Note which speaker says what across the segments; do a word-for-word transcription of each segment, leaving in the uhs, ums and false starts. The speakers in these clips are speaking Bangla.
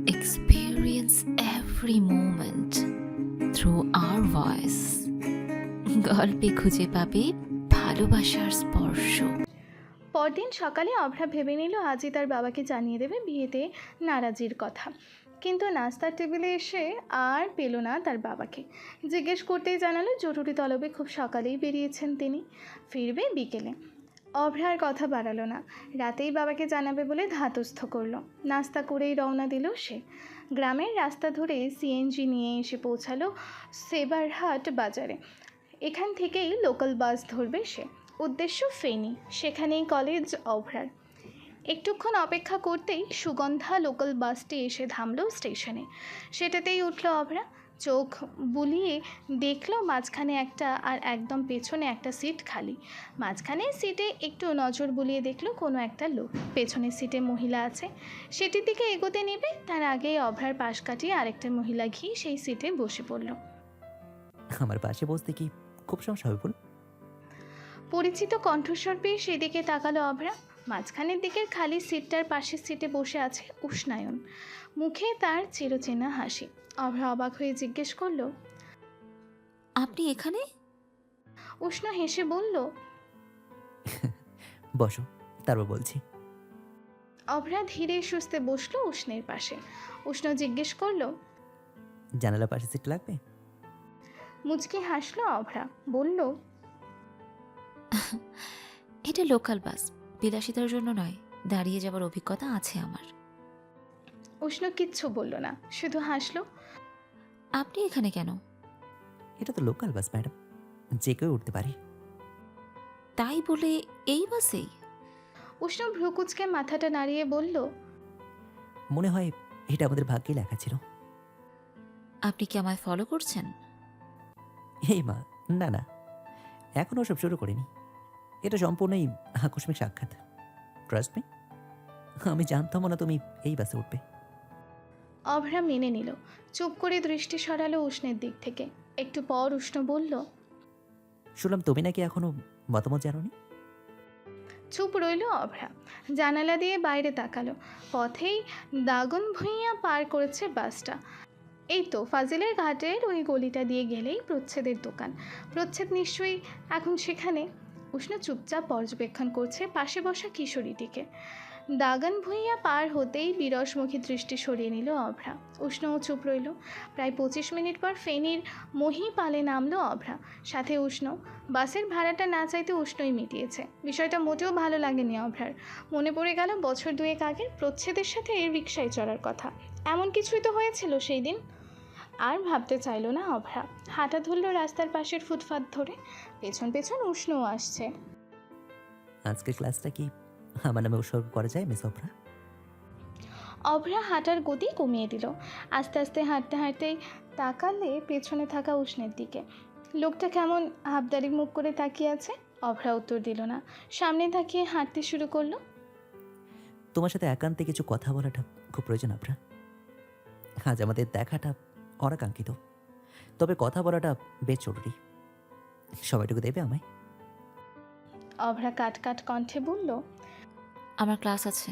Speaker 1: experience every moment through our voice. গল্পে খুঁজে পাবে ভালোবাসার স্পর্শ।
Speaker 2: পরদিন সকালে অভ্রা ভেবে নিল আজই তার বাবাকে জানিয়ে দেবে বিয়েতে নারাজির কথা। কিন্তু নাস্তার টেবিলে এসে আর পেল না তার বাবাকে। জিজ্ঞেস করতেই জানালো জরুরি তলবে খুব সকালেই বেরিয়েছেন তিনি, ফিরবে বিকেলে। অভ্রার কথা বাড়ালো না, রাতেই বাবাকে জানাবে বলে ধাতস্থ করলো। নাস্তা করেই রওনা দিল সে। গ্রামের রাস্তা ধরে সিএনজি নিয়ে এসে পৌঁছালো সেবারহাট বাজারে। এখান থেকেই লোকাল বাস ধরবে সে। উদ্দেশ্য ফেনী, সেখানেই কলেজ অভ্রার। একটুক্ষণ অপেক্ষা করতেই সুগন্ধা লোকাল বাসটি এসে থামল স্টেশনে। সেটাতেই উঠল অভ্রা। চোখ বুলিয়ে দেখলো মাঝখানে একটা আর একদম পেছনে একটা সিট খালি। মাঝখানে সিটে একটু নজর বুলিয়ে দেখলো কোনো একটা লোক, পেছনের সিটে মহিলা আছে। সেটির দিকে এগোতে নেবে তার আগেই অভ্রার পাশ কাটিয়ে আরেকটা মহিলা ঘিয়ে সেই সিটে বসে পড়ল।
Speaker 3: আমার পাশে বসতে কি খুব সমস্যা হবে বল?
Speaker 2: পরিচিত কণ্ঠস্বর পেয়ে সেদিকে তাকালো অভ্রা। মাঝখানের দিকের খালি সিটটার পাশের সিটে বসে আছে উষ্ণায়ন, মুখে তার চিরচেনা হাসি। অভ্রা অবাক হয়ে জিজ্ঞেস করলো,
Speaker 1: আপনি এখানে?
Speaker 2: উষ্ণ হেসে বলল,
Speaker 3: বসো, তারপর বলছি।
Speaker 2: অভ্রা ধীরে সুস্থে বসলো উষ্ণের পাশে। উষ্ণ জিজ্ঞেস করলো,
Speaker 3: জানালা পাশে সিট লাগবে?
Speaker 2: মুচকি হাসলো অভ্রা, বলল,
Speaker 1: এটা লোকাল বাস, বিলাসিতার জন্য নয়, দাঁড়িয়ে যাবার অভিজ্ঞতা আছে আমার।
Speaker 2: উষ্ণ কিচ্ছু বলল না, শুধু হাসলো।
Speaker 1: আপনি এখানে কেন?
Speaker 3: এটা তো লোকাল বাস ম্যাডাম, যে কেউ উঠতে পারে।
Speaker 1: তাই বলে এই বাসেই?
Speaker 2: উষ্ণ ভ্রুকুচকে মাথাটা নাড়িয়ে বলল,
Speaker 3: মনে হয় এটা আমাদের ভাগ্যে লেখা ছিল।
Speaker 1: আপনি কি আমায় ফলো করছেন?
Speaker 3: এই মা, না না, এখনো ওসব শুরু করিনি। এটা সম্পূর্ণই আকস্মিক সাক্ষাৎ। ট্রাস্ট মি, আমি জানতাম না তুমি এই বাসে উঠবে।
Speaker 2: অভ্রা মেনে নিল। চুপ করে দৃষ্টি সরালো উষ্ণের দিক থেকে। একটু পর উষ্ণ বলল,
Speaker 3: শুনলাম তুমি নাকি এখনো মতামত জানোনি।
Speaker 2: চুপ রইল অভ্রা। জানালা দিয়ে বাইরে তাকালো। পথেই দাগন ভুঁইয়া পার করেছে বাসটা। এই তো ফাজিলের ঘাটের ওই গলিটা দিয়ে গেলেই প্রচ্ছেদের দোকান। প্রচ্ছেদ নিশ্চয়ই এখন সেখানে। উষ্ণ চুপচাপ পর্যবেক্ষণ করছে পাশে বসা কিশোরীটিকে। দাগন ভুঁইয়া পার হতেই বিরসমুখী দৃষ্টি সরিয়ে নিল অভ্রা। উষ্ণও চুপ রইল। প্রায় পঁচিশ মিনিট পর ফেনীর মহিপালে নামলো অভ্রা, সাথে উষ্ণ। বাসের ভাড়াটা না চাইতে উষ্ণই মিটিয়েছে। বিষয়টা মোটেও ভালো লাগেনি অভ্রার। মনে পড়ে গেল বছর দুয়েক আগের প্রচ্ছেদের সাথে এর রিকশায় চড়ার কথা। এমন কিছুই তো হয়েছিল সেই দিন। আর ভাবতে চাইল না অভ্রা। হাঁটা ধরল রাস্তার পাশের ফুটপাত ধরে। পেছন পেছন উষ্ণও আসছে।
Speaker 3: আজকের ক্লাসটা কি আমার নামে উৎসর্গ করা যায় মিস অভ্রা?
Speaker 2: অভ্রা হাঁটার গতি কমিয়ে দিল। আস্তে আস্তে হাঁটতে হাঁটতেই তাকালে পেছনে থাকা উষ্ণের দিকে। লোকটা কেমন হাবদারি মুখ করে তাকিয়ে আছে। অভ্রা উত্তর দিল না, সামনে তাকিয়ে হাঁটতে শুরু করলো।
Speaker 3: তোমার সাথে একান্তে কিছু কথা বলাটা খুব প্রয়োজন অভ্রা। আজ আমাদের দেখাটা অনাকাঙ্ক্ষিত, তবে কথা বলাটা বেশ জরুরি। সময়টুকু দেবে আমায়?
Speaker 2: অভ্রা কাট কাট কণ্ঠে বলল,
Speaker 1: আমার ক্লাস আছে।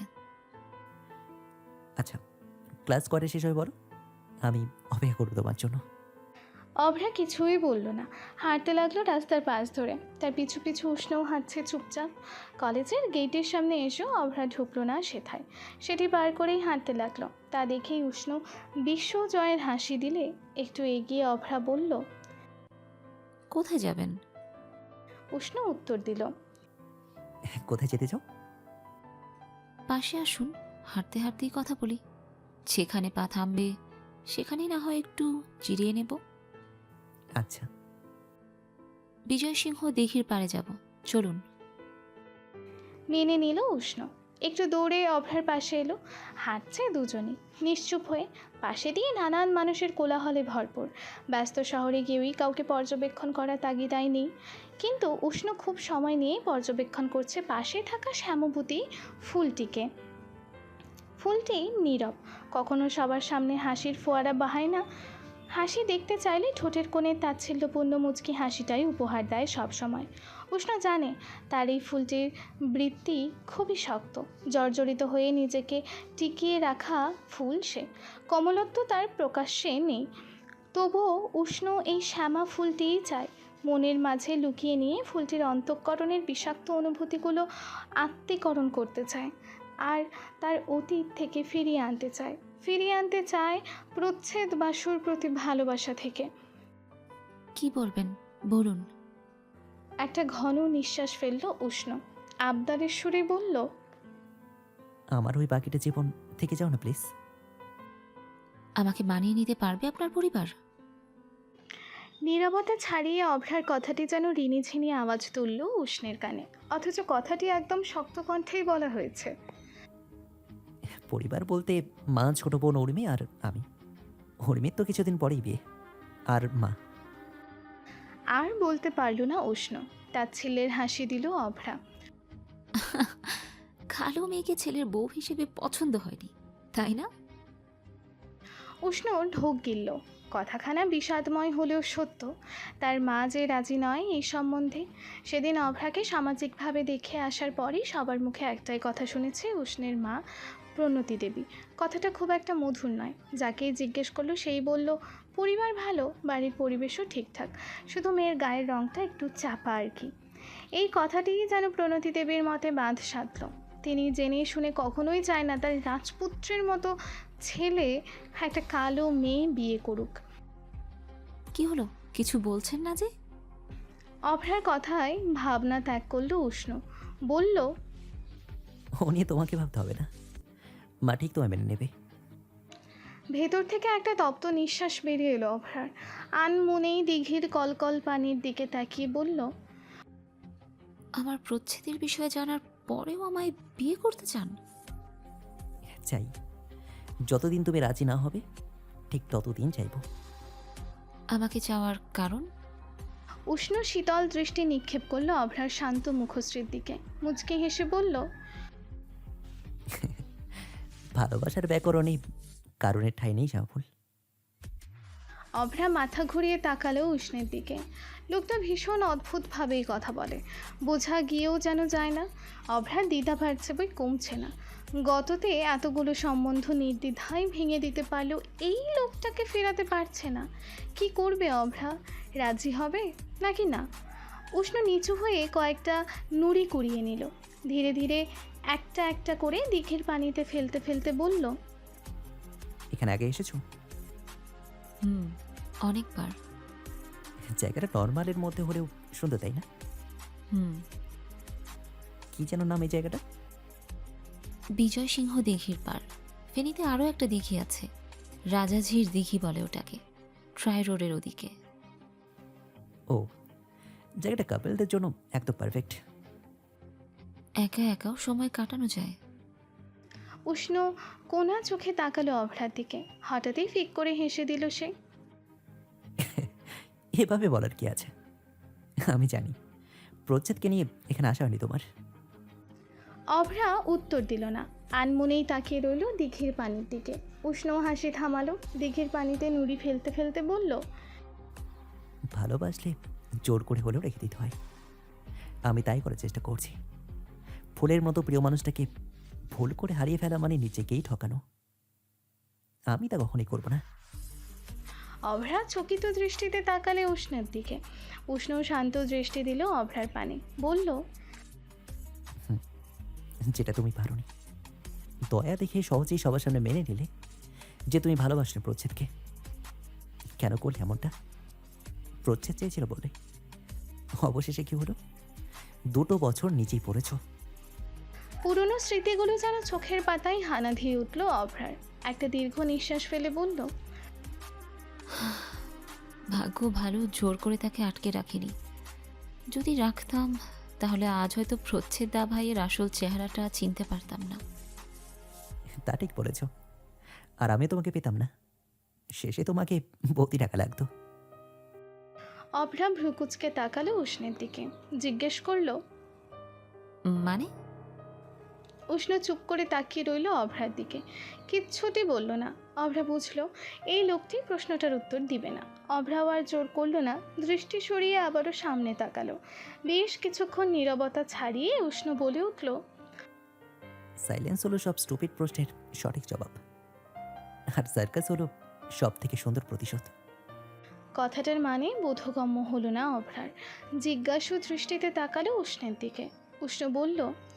Speaker 3: আচ্ছা, ক্লাস করে শেষ হয়ে বলো, আমি অপেক্ষা করবো তোমার জন্য।
Speaker 2: অভ্রা কিছুই বলল না, হাঁটতে লাগলো রাস্তার পাশ ধরে। তার পিছু পিছু উষ্ণও হাঁটছে চুপচাপ। কলেজের গেটের সামনে এসেও অভ্রা ঢুকলো না সেথায়। সেটি পার করেই হাঁটতে লাগলো। তা দেখেই উষ্ণ বিশ্বজয়ের হাসি দিলে একটু এগিয়ে অভ্রা বলল,
Speaker 1: কোথায় যাবেন?
Speaker 2: উষ্ণ উত্তর দিল,
Speaker 3: কোথায় যেতে চাও?
Speaker 1: পাশে আসুন, হাঁটতে হাঁটতেই কথা বলি। যেখানে পা থামবে সেখানেই না হয় একটু জিরিয়ে নেব।
Speaker 3: আচ্ছা।
Speaker 1: বিজয় সিংহ দিঘির পাড়ে যাব, চলুন।
Speaker 2: মেনে নিল উষ্ণ। একটু দৌড়ে অভ্রার পাশে এলো। হাঁটছে দুজনই নিশ্চুপ হয়ে। পাশে দিয়ে নানান মানুষের কোলাহলে ভরপুর। ব্যস্ত শহরে গিয়েই কাউকে পর্যবেক্ষণ করা তাগিদাই নেই। কিন্তু উষ্ণ খুব সময় নিয়েই পর্যবেক্ষণ করছে পাশে থাকা শ্যামবতী ফুলটিকে। ফুলটি নীরব, কখনো সবার সামনে হাসির ফোয়ারা বাহায় না, হাসি দেখতে চাইলে ঠোঁটের কোণে তাচ্ছিল্যপূর্ণ মুচকি হাসিটাই উপহার দেয় সবসময়। উষ্ণ জানে তার এই ফুলটির বৃত্তি খুবই শক্ত, জর্জরিত হয়ে নিজেকে টিকিয়ে রাখা ফুল সে। কমলত্ব তার প্রকাশ্যে নেই, তবুও উষ্ণ এই শ্যামা ফুলটিই চায়। মনের মাঝে লুকিয়ে নিয়ে ফুলটির অন্তঃকরণের বিষাক্ত অনুভূতিগুলো আত্মীকরণ করতে চায়, আর তার অতীত থেকে ফিরিয়ে আনতে চায় ফিরিয়ে আনতে চায় প্রচ্ছেদ বাসুর প্রতি ভালোবাসা থেকে।
Speaker 1: কি বলবেন বলুন।
Speaker 2: একটা ঘন নিঃশ্বাস ফেলল উষ্ণ, আবদারের সুরে বলল,
Speaker 3: আমার ওই বাকিটা জীবন থেকে যাও না প্লিজ।
Speaker 1: আমাকে মানিয়ে নিতে পারবে আপনার পরিবার?
Speaker 2: নীরবতা ছাড়িয়ে অভ্রার কথাটি যেন রিনিঝিনি আওয়াজ তুলল উষ্ণের কানে, অথচ কথাটি একদম শক্ত কণ্ঠেই বলা হয়েছে।
Speaker 3: পরিবার বলতে মা, ছোট বোন উর্মি আর আমি। উর্মির তো কিছুদিন পরেই বিয়ে, আর মা।
Speaker 2: আর বলতে পারল না উষ্ণ, তাচ্ছিল্যের হাসি দিল অভ্রা।
Speaker 1: কালো মেয়েকে ছেলের বউ হিসেবে পছন্দ হয়নি, তাই না?
Speaker 2: উষ্ণ ঢোক গিলল। কথাখানা বিষাদময় হলেও সত্য। তার মা যে রাজি নয় এই সম্বন্ধে। সেদিন অভ্রাকে সামাজিকভাবে দেখে আসার পরই সবার মুখে একটাই কথা শুনেছে, উষ্ণের মা প্রণতি দেবী। কথাটা খুব একটা মধুর নয়। যাকেই জিজ্ঞেস করলো সেই বলল, পরিবার ভালো, বাড়ির পরিবেশও ঠিকঠাক, শুধু মেয়ের গায়ের রঙটা একটু চাপা আর কি। এই কথাটিই যেন প্রণতি দেবীর মতে বাঁধ সাধল। তিনি জেনে শুনে কখনোই চায় না তার রাজপুত্রের মতো ছেলে একটা কালো মেয়ে বিয়ে করুক।
Speaker 1: কি হলো, কিছু বলছেন না যে?
Speaker 2: অভ্রার কথায় ভাবনা ত্যাগ করল উষ্ণ, বলল,
Speaker 3: ও নিয়ে তোমাকে ভাবতে হবে না, মা ঠিক তোমায় মেনে নেবে।
Speaker 2: ভেতর থেকে একটা তপ্ত নিঃশ্বাস বেরিয়ে এলো অভ্রার। আনমনেই দিঘির কলকল পানির দিকে তাকিয়ে বলল,
Speaker 1: আমার প্রচ্ছেদের বিষয়ে জানার পরেও আমায় বিয়ে করতে চান?
Speaker 3: চাই, যতদিন তুমি রাজি না হবে ঠিক ততদিন চাইব।
Speaker 1: আমাকে চাওয়ার কারণ?
Speaker 2: উষ্ণ শীতল দৃষ্টি নিক্ষেপ করলো অভ্রার শান্ত মুখশ্রীর দিকে, মুচকি হেসে বলল,
Speaker 3: ভালোবাসার ব্যাকরণে কারণের ঠাঁই নেই শ্যামফুল।
Speaker 2: অভ্রা মাথা ঘুরিয়ে তাকালো উষ্ণের দিকে। লোকটা ভীষণ অদ্ভুতভাবেই কথা বলে, বোঝা গিয়েও যেন যায় না। অভ্রার দ্বিধা বাড়ছে বই কমছে না। গততে এতগুলো সম্বন্ধ নির্দ্বিধায় ভেঙে দিতে পারলেও এই লোকটাকে ফেরাতে পারছে না। কি করবে অভ্রা? রাজি হবে নাকি না? উষ্ণ নিচু হয়ে কয়েকটা নুড়ি কুড়িয়ে নিল, ধীরে ধীরে একটা একটা করে দিঘির পানিতে ফেলতে ফেলতে বলল,
Speaker 3: এখানে আগে এসেছো?
Speaker 1: হুম, অনেকবার।
Speaker 3: জায়গাটা নর্মালের মধ্যে হলেও সুন্দর, তাই না?
Speaker 1: হুম।
Speaker 3: কি যেন নাম এই জায়গাটা?
Speaker 1: বিজয় সিংহ দিঘির পার। ফেনীতে আরও একটা দিঘি আছে, রাজাঝির দিঘি বলে ওটাকে, ট্রাই রোডের ওদিকে।
Speaker 3: ও, জায়গাটা কাপেলদের জন্য একদম পারফেক্ট।
Speaker 1: একা একাও সময় কাটানো যায়।
Speaker 2: উষ্ণ কোনা চোখে তাকালো অভ্রার দিকে, হঠাৎই ফিক করে হেসে দিল সে।
Speaker 3: এভাবে বলার কি আছে? আমি জানি প্রচ্ছেদকে নিয়ে এখানে আসা হয়নি তোমার।
Speaker 2: অভ্রা উত্তর দিল না, আনমনেই তাকিয়ে রইল দিঘির পানির দিকে। উষ্ণ হাসি থামালো, দিঘির পানিতে নুড়ি ফেলতে ফেলতে বলল,
Speaker 3: ভালোবাসলে জোর করে হলেও রেখে দিতে হয়। আমি তাই করার চেষ্টা করছি। ফুলের মতো প্রিয় মানুষটাকে ভুল করে হারিয়ে ফেলা মানে নিজেকেই ঠকানো। আমি তা কখনই করব না।
Speaker 2: অভ্রা চকিত দৃষ্টিতে তাকালে উষ্ণের দিকে। উষ্ণ শান্ত দৃষ্টি দিল অভ্রার পানে, বলল,
Speaker 3: যেটা তুমি পারোনি। দয়া দেখে সহজেই সবার সামনে মেনে নিলে যে তুমি ভালোবাসলে প্রচ্ছেদকে। কেন করলে এমনটা? প্রচ্ছেদ চেয়েছিল বলে। অবশেষে কি হলো? দুটো বছর নিচেই পড়েছ।
Speaker 2: পুরনো স্মৃতিগুলো যেন চোখের পাতায় হানা দিয়ে উঠল অভ্রার। একটা দীর্ঘ নিঃশ্বাস ফেলে বলল,
Speaker 1: ভাগ্য ভালো জোর করে তাকে আটকে রাখিনি। যদি রাখতাম তাহলে আজ হয়তো প্রচ্ছেদ দা ভাইয়ের আসল চেহারাটা চিনতে পারতাম না।
Speaker 3: তা ঠিক বলেছ। আর আমি তোমাকে পেতাম না। শেষে তোমাকে বৌদি টাকা লাগতো।
Speaker 2: অভ্রা ভ্রুকুচকে তাকালো উষ্ণের দিকে, জিজ্ঞেস করলো,
Speaker 1: মানে?
Speaker 2: উষ্ণ চুপ করে তাকিয়ে রইল অভ্রার দিকে, কিচ্ছুটি বলল না। অভ্রা বুঝলো এই লোকটি প্রশ্নটার উত্তর দিবে না। অভ্রাও আর জোর করল না, দৃষ্টি সরিয়ে আবারও সামনে তাকালো। বেশ কিছুক্ষণ নীরবতা ছাড়িয়ে উষ্ণ বলে উঠল,
Speaker 3: সাইলেন্স হলো সব স্টুপিড প্রশ্নের সঠিক জবাব, আর সার্কাস হলো সব থেকে সুন্দর প্রতিশোধ।
Speaker 2: কথাটার মানে বোধগম্য হলো না অভ্রার। জিজ্ঞাসু দৃষ্টিতে তাকালো উষ্ণের দিকে। উষ্ণ বলল,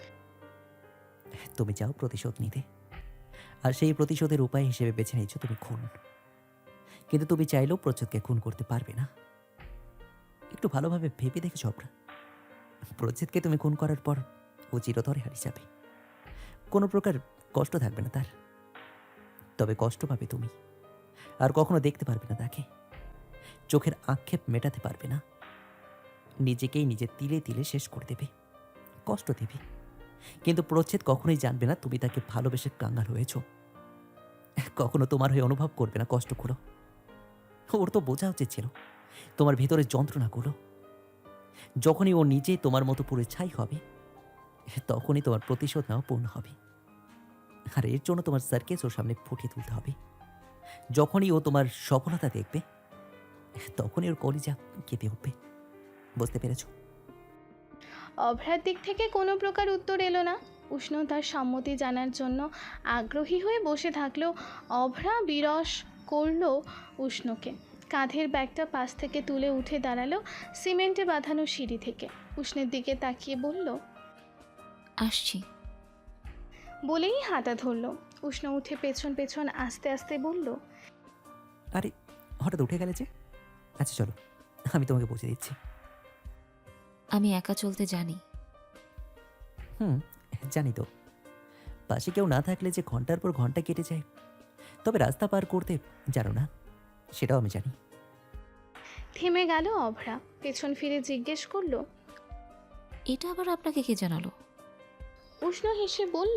Speaker 3: তুমি চাও প্রতিশোধ নিতে, আর সেই প্রতিশোধের উপায় হিসেবে বেছে নিয়েছো তুমি খুন। কিন্তু তুমি চাইলেও প্রচ্ছদকে খুন করতে পারবে না। একটু ভালোভাবে ভেবে দেখেছো অভ্রা? প্রচ্ছদকে তুমি খুন করার পর ও চিরতরে হারিয়ে যাবে, কোনো প্রকার কষ্ট থাকবে না তার। তবে কষ্ট পাবে তুমি, আর কখনো দেখতে পারবে না তাকে। চোখের আক্ষেপ মেটাতে পারবে না, নিজেকেই নিজে তিলে তিলে শেষ করে দেবে, কষ্ট দেবে। কিন্তু প্রচ্ছেদ কখনোই জানবে না তুমি তাকে ভালোবেসে কাঙ্গাল হয়েছ। কখনো তোমার হয়ে অনুভব করবে না কষ্টগুলো। ওর তো বোঝা উচিত ছিল তোমার ভেতরের যন্ত্রণাগুলো। যখনই ও নিজে তোমার মতো পুরো ছাই হবে, তখনই তোমার প্রতিশোধ নেওয়া পূর্ণ হবে। আর এর জন্য তোমার সার্কেস ওর সামনে ফুটিয়ে তুলতে হবে। যখনই ও তোমার সফলতা দেখবে, তখনই ওর কলিজা কেঁপে উঠবে। বুঝতে পেরেছ?
Speaker 2: অভ্রার দিক থেকে কোনো প্রকার উত্তর এলো না। উষ্ণ তার সম্মতি জানার জন্য আগ্রহী হয়ে বসে থাকলেও অভ্রা বিরস করলো উষ্ণকে। কাঁধের ব্যাগটা পাশ থেকে তুলে উঠে দাঁড়ালো সিমেন্টে বাঁধানো সিঁড়ি থেকে। উষ্ণের দিকে তাকিয়ে বলল,
Speaker 1: আসছি।
Speaker 2: বলেই হাঁটা ধরল। উষ্ণ উঠে পেছন পেছন আস্তে আস্তে বলল,
Speaker 3: আরে হঠাৎ উঠে গেলে যে? আচ্ছা চলো, আমি তোমাকে পৌঁছে দিচ্ছি।
Speaker 1: আমি একা চলতে জানি।
Speaker 3: হুম, জানি তো। পাশে কেউ না থাকলে যে ঘন্টার পর ঘন্টা কেটে যায়। তবে রাস্তা পার করতে জানো না, সেটাও আমি জানি।
Speaker 2: থেমে গেল অভ্রা। পেছন ফিরে জিজ্ঞেস করলো,
Speaker 1: এটা আবার আপনাকে কে জানালো?
Speaker 2: উষ্ণ হেসে বলল,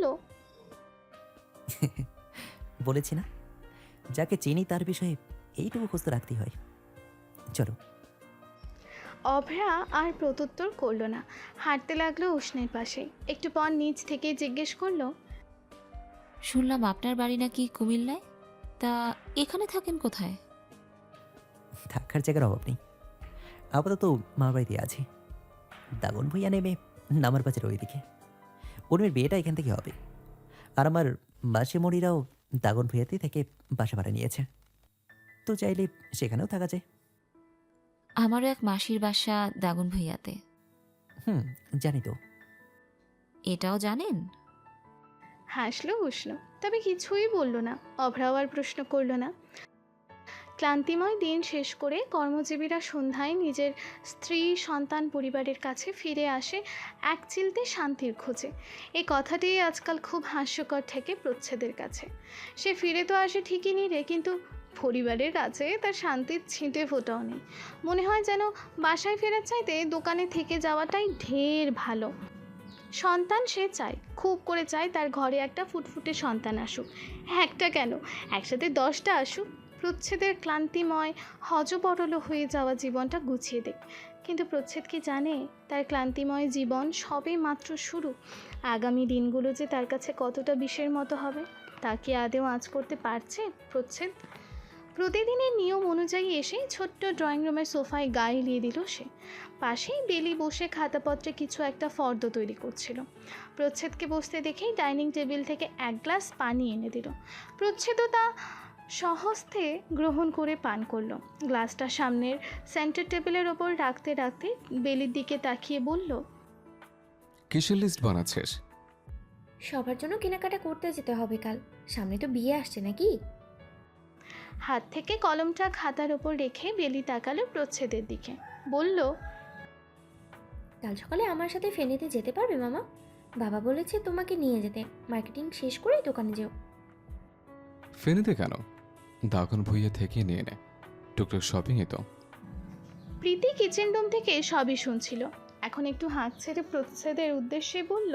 Speaker 3: বলেছি না, যাকে চিনি তার বিষয়ে এইটুকু খোঁজ তো রাখতেই হয়। চলো।
Speaker 2: অভ্রা আর প্রত্যুত্তর করলো না, হাঁটতে লাগলো উষ্ণের পাশে। একটু পর নিচ থেকে জিজ্ঞেস করলো,
Speaker 1: শুনলাম আপনার বাড়ি নাকি কুমিল্লায়, তা এখানে থাকেন কোথায়?
Speaker 3: থাকার জায়গার অভাব নেই, আপাতত মা বাড়িতে আছি। দাগন ভুইয়া নেমে নামার বাজার ওইদিকে। উর্মির বিয়েটা এখান থেকে হবে, আর আমার মাসিমণিরাও দাগন ভুইয়াতে থেকে বাসা ভাড়া নিয়েছে। তো চাইলে সেখানেও থাকা যায়।
Speaker 1: আমারও এক মাসির বাসা দাগন ভূঁইয়াতে।
Speaker 3: হুম, জানি তো।
Speaker 1: এটাও জানেন?
Speaker 2: হাসলো উষ্ণ, তবে কিছুই বলল না। অভ্রাও আর প্রশ্ন করলো না। ক্লান্তিময় দিন শেষ করে কর্মজীবীরা সন্ধ্যায় নিজের স্ত্রী সন্তান পরিবারের কাছে ফিরে আসে এক চিলতে শান্তির খোঁজে। এই কথাটি আজকাল খুব হাস্যকর ঠেকে প্রচ্ছেদের কাছে। সে ফিরে তো আসে ঠিকই নিরে, কিন্তু পরিবারের কাছে তার শান্তির ছিটে ফোটাও নেই। মনে হয় যেন বাসায় ফেরার চাইতে দোকানে থেকে যাওয়াটাই ঢের ভালো। সন্তান সে চায়, খুব করে চায় তার ঘরে একটা ফুটফুটে সন্তান আসুক। একটা কেন, একসাথে দশটা আসুক। প্রচ্ছেদের ক্লান্তিময় হজবরল হয়ে যাওয়া জীবনটা গুছিয়ে দেখ। কিন্তু প্রচ্ছেদ কি জানে তার ক্লান্তিময় জীবন সবে মাত্র শুরু? আগামী দিনগুলো যে তার কাছে কতটা বিষের মতো হবে তা কি আদেও আঁচ করতে পারছে প্রচ্ছেদ? প্রতিদিনের নিয়ম অনুযায়ী এসে ছোট্ট ড্রয়িং রুমের সোফায় গা এলিয়ে দিল সে। পাশেই বেলি বসে খাতাপত্রে কিছু একটা ফর্দ তৈরি করছিল। প্রচ্ছেদকে বসতে দেখেই ডাইনিং টেবিল থেকে এক গ্লাস পানি এনে দিল। প্রচ্ছেদও তা সহস্তে গ্রহণ করে পান করলো। গ্লাসটা সামনের সেন্টার টেবিলের ওপর রাখতে রাখতে বেলির দিকে তাকিয়ে বলল,
Speaker 4: কিসের লিস্ট বানাচ্ছিস?
Speaker 5: সবার জন্য কেনাকাটা করতে যেতে হবে কাল, সামনে তো বিয়ে আসছে নাকি।
Speaker 2: হাত থেকে কলমটা খাতার ওপর রেখে বেলি তাকালো প্রচ্ছেদের দিকে, বলল,
Speaker 5: কাল সকালে আমার সাথে ফেনীতে যেতে পারবে মামা? বাবা বলেছে তোমাকে নিয়ে যেতে, মার্কেটিং শেষ করেই দোকানে যেও।
Speaker 4: ফেনীতে কেন? দাগন ভুইয়া থেকে নিয়ে নে, টুকটাক শপিংয়ে তো।
Speaker 2: প্রীতি কিচেন রুম থেকে সবই শুনছিল। এখন একটু হাঁক ছেড়ে প্রচ্ছেদের উদ্দেশ্যে বলল,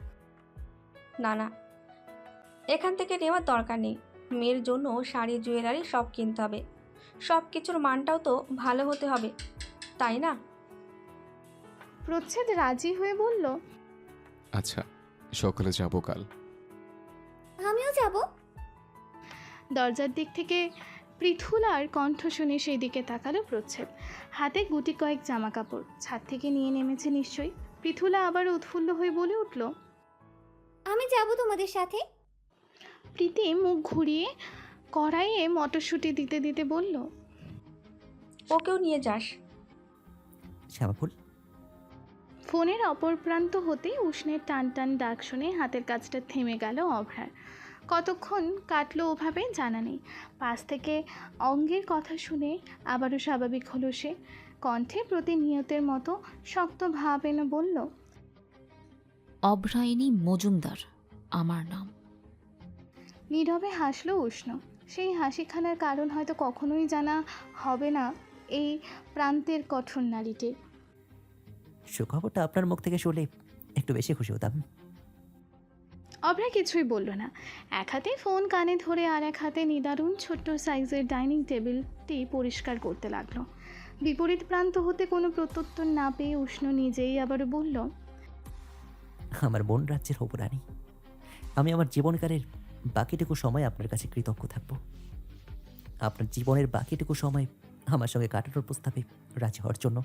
Speaker 6: না না, এখান থেকে নেওয়ার দরকার নেই। মেয়ের জন্য শাড়ি জুয়েলারি সব কিনতে হবে, সব কিছুর মানটাও তো ভালো হতে হবে, তাই না?
Speaker 2: প্রচ্ছেদ রাজি হয়ে বলল,
Speaker 4: আচ্ছা, সকালে যাবো কাল।
Speaker 5: আমিও যাব।
Speaker 2: দরজার দিক থেকে পৃথুলার কণ্ঠ শুনে সেই দিকে তাকালো প্রচ্ছদ। হাতে গুটি কয়েক জামা কাপড় ছাদ থেকে নিয়ে নেমেছে নিশ্চয়ই। পৃথুলা আবার উৎফুল্ল হয়ে বলে উঠল,
Speaker 5: আমি যাব তোমাদের সাথে।
Speaker 2: প্রীতি মুখ ঘুরিয়ে কড়াইয়ে মটরশুঁটি দিতে দিতে বলল,
Speaker 6: ওকেও নিয়ে যাস।
Speaker 3: শ্যামাফুল,
Speaker 2: ফোনের অপর প্রান্ত হতেই উষ্ণের টান টান ডাক শুনে হাতের কাজটা থেমে গেল অভ্রার। কতক্ষণ কাটলো ওভাবে জানা নেই। পাশ থেকে অঙ্গের কথা শুনে আবারও স্বাভাবিক হলো সে। কণ্ঠে প্রতিনিয়তের মতো শক্ত ভাব এনে বলল,
Speaker 1: অভ্রায়িনী মজুমদার আমার নাম।
Speaker 2: নীরবে হাসলো উষ্ণ। সেই হাসিখানার কারণ হয়তো কখনোই জানা হবে না এই প্রান্তের কঠোর নারীটির।
Speaker 3: সুখবরটা আপনার মুখ থেকে শুনলে একটু বেশি খুশি হতাম।
Speaker 2: অভ্রা কিছুই বলল না। এক হাতে ফোন কানে ধরে আর এক হাতে নিদারুণ ছোট্ট সাইজের ডাইনিং টেবিলটি পরিষ্কার করতে লাগলো। বিপরীত প্রান্ত হতে কোনো প্রত্যুত্তর না পেয়ে উষ্ণ নিজেই আবার বলল,
Speaker 3: আমার বোন রাজ্যের হবু রানী, আমি আমার জীবনকালের বাকিটুকু সময় আপনার কাছে কৃতজ্ঞ থাকব। আপনার জীবনের বাকিটুকু সময় আমার সঙ্গে কাটানোর প্রস্তাবে রাজি হওয়ার জন্য।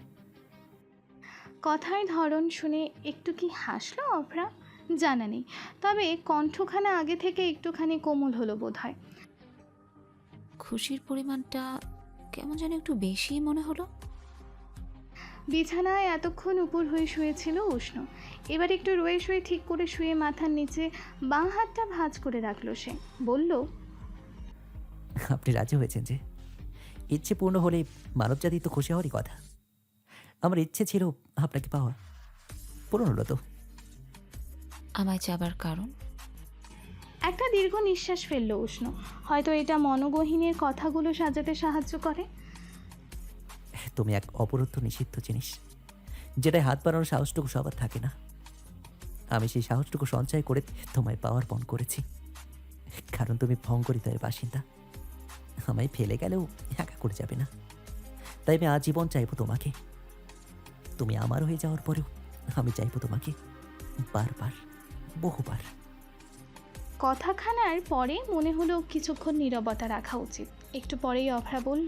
Speaker 2: কথার ধরন শুনে একটু কি হাসলো অভ্রা জানা নেই, তবে কণ্ঠখানা আগে থেকে একটুখানি কোমল হলো বোধহয়।
Speaker 1: খুশির পরিমাণটা কেমন যেন একটু বেশি মনে হলো।
Speaker 2: বিছানায় এতক্ষণ উপর হয়ে শুয়েছিল উষ্ণ। এবার একটু রয়ে শুয়ে ঠিক করে শুয়ে মাথার নিচে বাঁ হাতটা ভাঁজ করে রাখলো সে। বলল,
Speaker 3: আপনি রাজি হয়েছেন যে? ইচ্ছে পূর্ণ হলে মানবজাতি তো খুশি হওয়ারই কথা। আমার ইচ্ছে ছিল আপনাকে পাওয়া, পূরণ হলো তো।
Speaker 1: আমায় চাবার কারণ?
Speaker 2: একটা দীর্ঘ নিঃশ্বাস ফেললো উষ্ণ। হয়তো এটা মনোগহীনের কথাগুলো সাজাতে সাহায্য করে।
Speaker 3: তুমি এক অবরুদ্ধ নিষিদ্ধ জিনিস, যেটায় হাত বাড়ানোর সাহসটুকু সবার থাকে না। আমি সেই সাহসটুকু সঞ্চয় করে তোমায় পাওয়ার পণ করেছি, কারণ তুমি ভঙ্গরিতের বাসিন্দা। আমায় ফেলে গেলেও একা করে যাবে না, তাই আমি আজীবন চাইবো তোমাকে। তুমি আমার হয়ে যাওয়ার পরেও আমি চাইবো তোমাকে, বারবার, বহুবার।
Speaker 2: কথাখানার পরে মনে হলো কিছুক্ষণ নীরবতা রাখা উচিত। একটু পরেই অভ্রা বলল,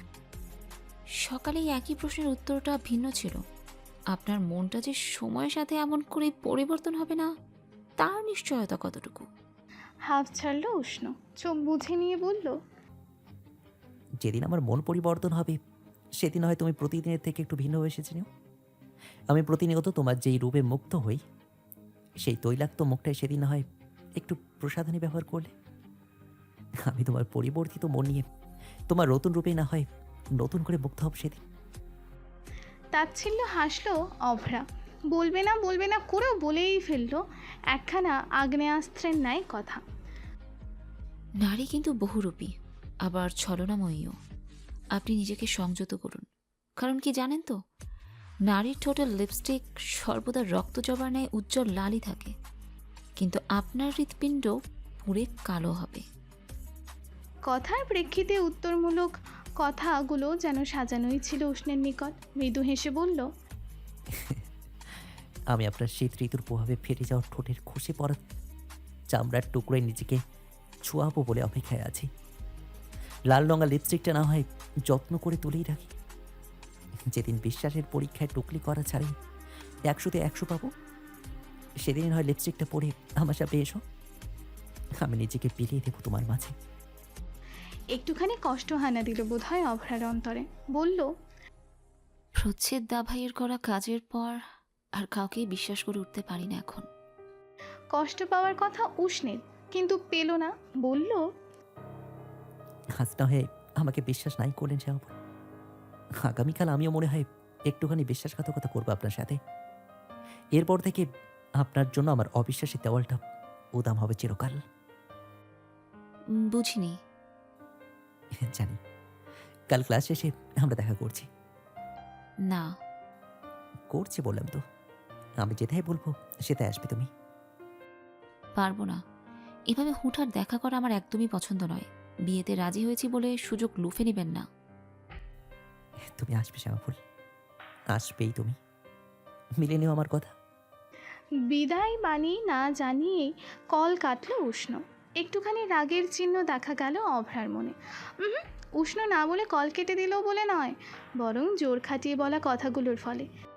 Speaker 1: সকালে একই প্রশ্নের উত্তরটা ভিন্ন ছিল। আপনার মনটা যে সময়ের সাথে এমন করে পরিবর্তন হবে না তার নিশ্চয়তা কতটুকু?
Speaker 2: হাফ ছাড়লো উষ্ণ, চোখ বুঝে নিয়ে বলল,
Speaker 3: যেদিন আমার মন পরিবর্তন হবে সেদিন হয় তুমি প্রতিদিনের থেকে একটু ভিন্ন হয়ে এসেছি। আমি প্রতিনিয়ত তোমার যেই রূপে মুগ্ধ হই, সেই তৈলাক্ত মুখটাই সেদিন হয় একটু প্রসাধনী ব্যবহার করলে। আমি তোমার পরিবর্তিত মন নিয়ে তোমার নতুন রূপেই না হয় নতুন করে মুগ্ধ হব সেদিন।
Speaker 2: তাচ্ছিল্য হাসলো অভ্রা। বলবে না বলবে না করেও বলেই ফেললো একখানা আগ্নেয়াস্ত্রের ন্যায় কথা।
Speaker 1: নারী কিন্তু বহুরূপী, আবার ছলনাময়ীও। আপনি নিজেকে সংযত করুন, কারণ কি জানেন তো, নারীর ঠোঁটের লিপস্টিক সর্বদা রক্তজবার ন্যায় উজ্জ্বল লালই থাকে, কিন্তু আপনার হৃৎপিণ্ড পুড়ে কালো হবে।
Speaker 2: কথার প্রেক্ষিতে উত্তরমূলক কথাগুলো যেন সাজানোই ছিল উষ্ণের নিকট। মৃদু হেসে বলল,
Speaker 3: আমি আপনার শীত ঋতুর প্রভাবে ফেটে যাওয়া ঠোঁটের খসে পড়া চামড়ার টুকরোয় নিজেকে ছোঁয়াবো বলে অপেক্ষায় আছি। লাল রঙা লিপস্টিকটা না হয় যত্ন করে তুলেই রাখি। যেদিন বিশ্বাসের পরীক্ষায় টুকলি করা ছাড়াই একশোতে একশো পাবো, সেদিন হয় লিপস্টিকটা পরে আমার সাথে এসো, আমি নিজেকে বিলিয়ে দেবো তোমার মাঝে।
Speaker 2: একটুখানি কষ্ট হানা দিল বোধহয় অভ্রার অন্তরে। বলল,
Speaker 1: প্রচ্ছেদ দা ভাইয়ের করা কাজের পর আর কাউকেই বিশ্বাস করে উঠতে পারি না এখন।
Speaker 2: কষ্ট পাওয়ার কথা উষ্ণের, কিন্তু পেল না। বলল,
Speaker 3: আজ না হয়ে আমাকে বিশ্বাস নাই করলেন সে, আগামীকাল আমিও মনে হয় একটুখানি বিশ্বাসঘাতকতা করবো আপনার সাথে। এরপর থেকে আপনার জন্য আমার অবিশ্বাসী দেওয়ালটা উদাম হবে চিরকাল।
Speaker 1: উম, বুঝিনি।
Speaker 3: জানি কাল ক্লাস শেষে আমরা দেখা করছি।
Speaker 1: না,
Speaker 3: করছি বললাম তো, আমি যেটাই বলবো সেটাই আসবে তুমি।
Speaker 1: পারবো না। এভাবে হুঠাৎ দেখা করা আমার একদমই পছন্দ নয়। বিয়েতে রাজি হয়েছি বলে সুযোগ লুফে নেবেন না।
Speaker 3: তুমি আসবে শ্যামাফুল, আসবেই তুমি, মিলে নিও আমার কথা।
Speaker 2: বিদায় বাণী না জানিয়েই কল কাটল উষ্ণ। একটুখানি রাগের চিহ্ন দেখা গেল অভ্রার মনে। উহুম, উষ্ণ না বলে কল কেটে দিলেও বলে নয়, বরং জোর খাটিয়ে বলা কথাগুলোর ফলে।